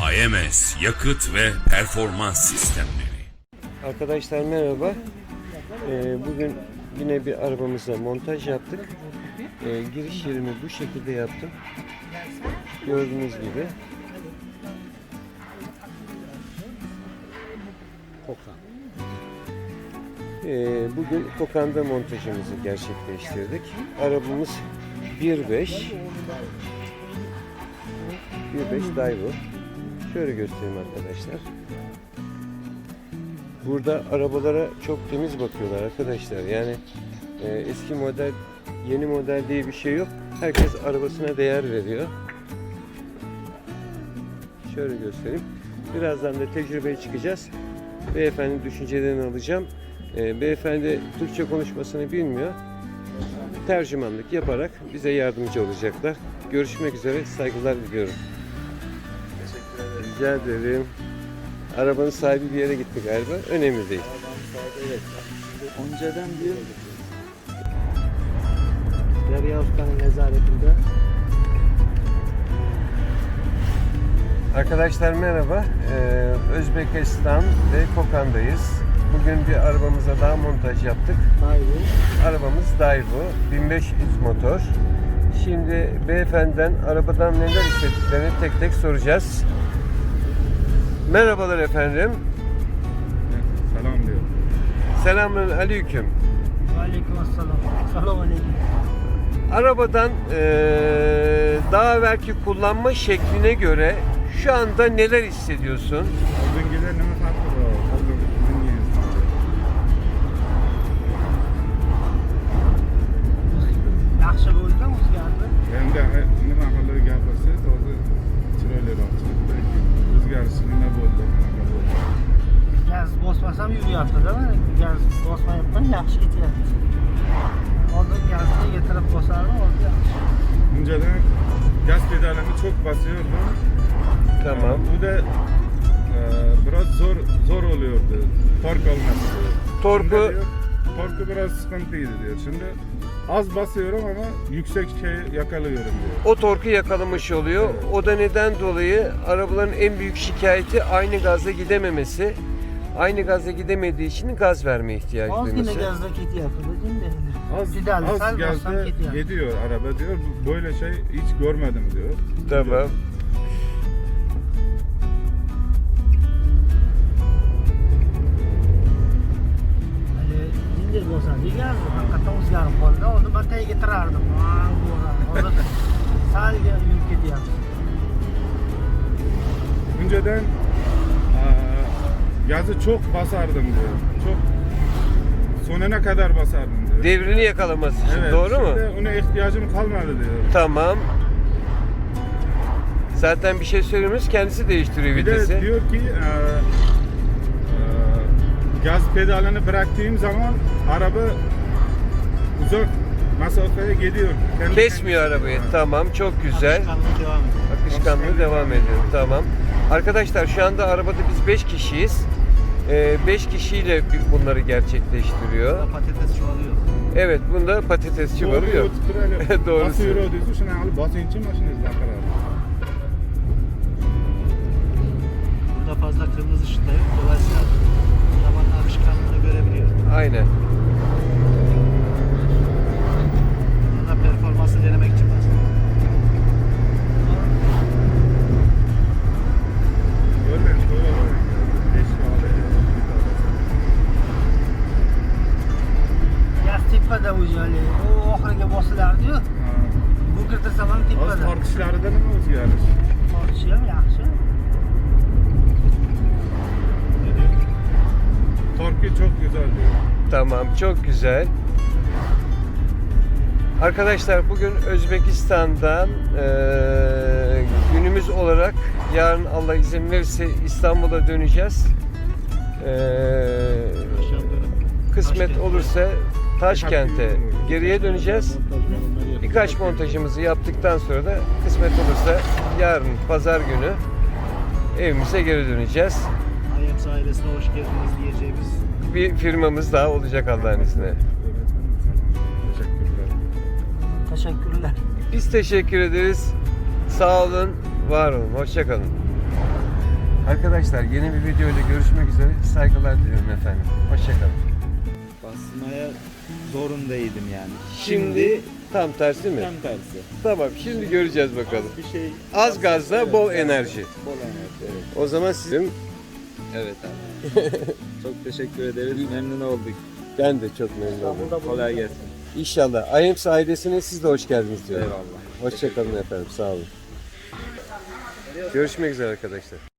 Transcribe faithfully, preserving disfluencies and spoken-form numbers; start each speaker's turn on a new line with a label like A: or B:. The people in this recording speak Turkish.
A: A M S Yakıt ve Performans Sistemleri.
B: Arkadaşlar merhaba. Ee, bugün yine bir arabamıza montaj yaptık. Ee, giriş yerimi bu şekilde yaptım. Gördüğünüz gibi. Kokan. Ee, bugün Kokan'da montajımızı gerçekleştirdik. Arabamız bir beş bir beş Daewoo. Şöyle göstereyim arkadaşlar. Burada arabalara çok temiz bakıyorlar arkadaşlar. Yani e, eski model, yeni model diye bir şey yok. Herkes arabasına değer veriyor. Şöyle göstereyim. Birazdan da tecrübeye çıkacağız. Beyefendi düşüncelerini alacağım. E, beyefendi Türkçe konuşmasını bilmiyor. Tercümanlık yaparak bize yardımcı olacaklar. Görüşmek üzere. Saygılar diliyorum. Rica ederim. Arabanın sahibi bir yere gitti galiba. Önemli değil.
C: Evet. Önceden diyor Derya Usta'nın nezaretinde.
B: Arkadaşlar merhaba. Ee, Özbekistan ve Kokan'dayız. Bugün bir arabamıza daha montaj yaptık.
C: Daewoo.
B: Arabamız Daewoo bin beş yüz motor. Şimdi beyefendiden arabadan neler istediklerini tek tek soracağız. Merhabalar efendim.
D: Selam diyor.
B: Selamun aleyküm.
C: Aleykümselam. Selam aleyküm.
B: Arabadan eee daha evvelki kullanma şekline göre şu anda neler hissediyorsun?
D: Oldingilar nima farqi bor? Oldingiz.
C: Yaxshi bo'ldimi o'zgardi?
D: Endi nima qilib gapirsangiz hozir chiroyliroq chiqdi. O'zgarish nima bo'ldi? Qanaqa bo'ldi?
C: Gaz bosmasam yuryapti-da. Gaz bosmayapman, yaxshi ketyapti. Oldin gazni yetirib bosardim, hozir yaxshi.
D: Önceden gaz pedalini çok basıyordum.
B: Tamam.
D: Bu da e, biraz zor zor oluyordu. Tork olması.
B: Torku-
D: Şimdi diyor, torku biraz sıkıntıydı diyor. Şimdi az basıyorum ama yüksek şey yakalıyorum diyor.
B: O torku yakalamış oluyor.
D: Evet.
B: O da neden dolayı arabaların en büyük şikayeti aynı gazla gidememesi. Aynı gazla gidemediği için gaz verme ihtiyacı
C: Ozgina
B: duyması.
C: gazda ketyapti, değil mi?
D: Az,
C: Pedal
D: az
C: sal
D: gazda
C: bossam ketyapti.
D: gidiyor araba diyor. Böyle şey hiç görmedim diyor.
B: Tamam.
C: Jinjir bosadi gaz haqiqatdan o'zgarib qoldi. Oldin man tagiga tirardim. Hozir sal yurib ketyapti.
D: Önceden e, gazı çok basardım diyor. Çok sonuna kadar basardım diyor.
B: Devrini yakalaması için.
D: Evet,
B: Doğru mu?
D: şimdi ona ihtiyacım kalmadı diyor.
B: Tamam. Zaten bir şey söylemiyoruz. Kendisi değiştiriyor
D: Bir de
B: vitesi.
D: diyor ki e, e, gaz pedalını bıraktığım zaman araba uzak mesafeye gidiyor. Kendi
B: Kesmiyor
D: kendine.
B: arabayı.
D: Ha.
B: Tamam. Çok güzel.
C: Akışkanlığı devam ediyor.
B: Akışkanlığı devam ediyor. Tamam. Arkadaşlar şu anda arabada biz beş kişiyiz. beş kişiyle bunları gerçekleştiriyor.
C: Patates çoğalıyor.
B: Evet, bunda patatesçi var yok.
D: Doğru.
B: Doğrusu.
D: Basıyor diyorsun. Şuna alıp basınca maşinesi bakar.
C: Burada fazla kırmızı ışık da yok. Dolayısıyla arabanın akışkanlığını görebiliyor.
B: Aynen.
C: Burada performansı denemek için bastım.
D: Görmeyin. Doğru. Beş kahve.
C: Gaz tepada o'zi hali. U oxiriga bosilardi-yu. Bu kirtirsam ham
D: Az
C: tepada.
D: tartışlarda nima o'zgarish?
C: Tortishi ham yaxshi.
D: Torku çok güzel diyor.
B: Tamam, çok güzel. Arkadaşlar bugün Özbekistan'dan eee, günümüz olarak yarın Allah izin verirse İstanbul'a döneceğiz. Eee, kısmet olursa Taşkent'e geriye döneceğiz. Birkaç montajımızı yaptıktan sonra da kısmet olursa yarın pazar günü evimize geri döneceğiz.
C: I M S ailesine hoş geldiniz diyeceğimiz.
B: Bir firmamız daha olacak Allah'ın izniyle.
D: Teşekkürler.
C: Teşekkürler.
B: Biz teşekkür ederiz. Sağ olun, var olun. Hoşça kalın. Arkadaşlar yeni bir video ile görüşmek üzere. Saygılar diliyorum efendim. Hoşçakalın.
E: Basmaya zorundaydım yani.
B: Şimdi tam tersi mi?
E: tam tersi.
B: Tamam, şimdi göreceğiz bakalım.
E: Bir şey
B: Az gazla
E: Evet,
B: bol
E: evet.
B: enerji.
E: Bol enerji, evet.
B: O zaman sizin,
E: Evet abi. Çok teşekkür ederiz. Memnun olduk.
B: ben de çok memnun oldum.
E: Kolay gelsin.
B: İnşallah. I A M S ailesine siz de hoş geldiniz diyorum.
E: Eyvallah.
B: Hoşçakalın efendim. Sağ olun. Görüşmek üzere arkadaşlar.